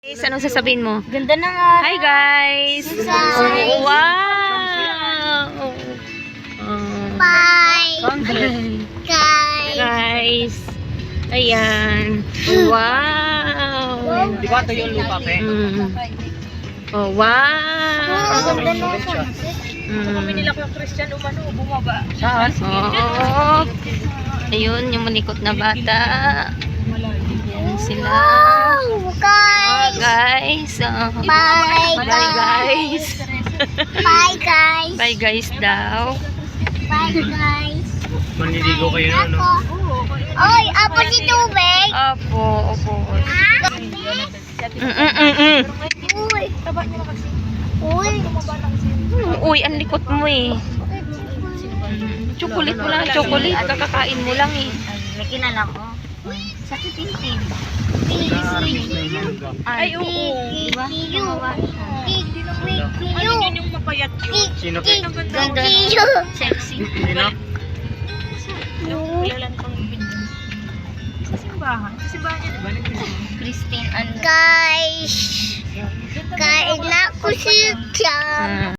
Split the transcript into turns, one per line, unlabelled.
Guys, anong sasabihin mo?
Ganda na nga.
Hi guys!
Hi.
Wow!
Bye. Guys.
Guys! Ayan! Wow!
Di ba ito yung lupa, pe?
Oh, wow!
Ganda na nga.
Nila ko yung Christian umano, bumaba. Saan?
Oh, ayun, yung malikot na bata. Ayan sila.
Wow, guys.
Guys!
Bye,
Bye guys!
Bye, guys.
Bye guys daw.
Bye, guys.
Manliligo kayo na, no?
Oy, apo si tubig.
Opo, opo.
Uy. Uy.
Uy, ang likot mo eh. Chocolate mo lang, chocolate. Kakakain mo lang eh.
May kinala ko. Sa titintin.
Ay, oo.
Ano yun yung mapayat yun? Sino pe?
Ganda.
Sexy.
Sino?
Kailan pang video?
Sa simbahan. Sa simbahan niya, di ba?
Christine and...
Guys. Kain na ko siya.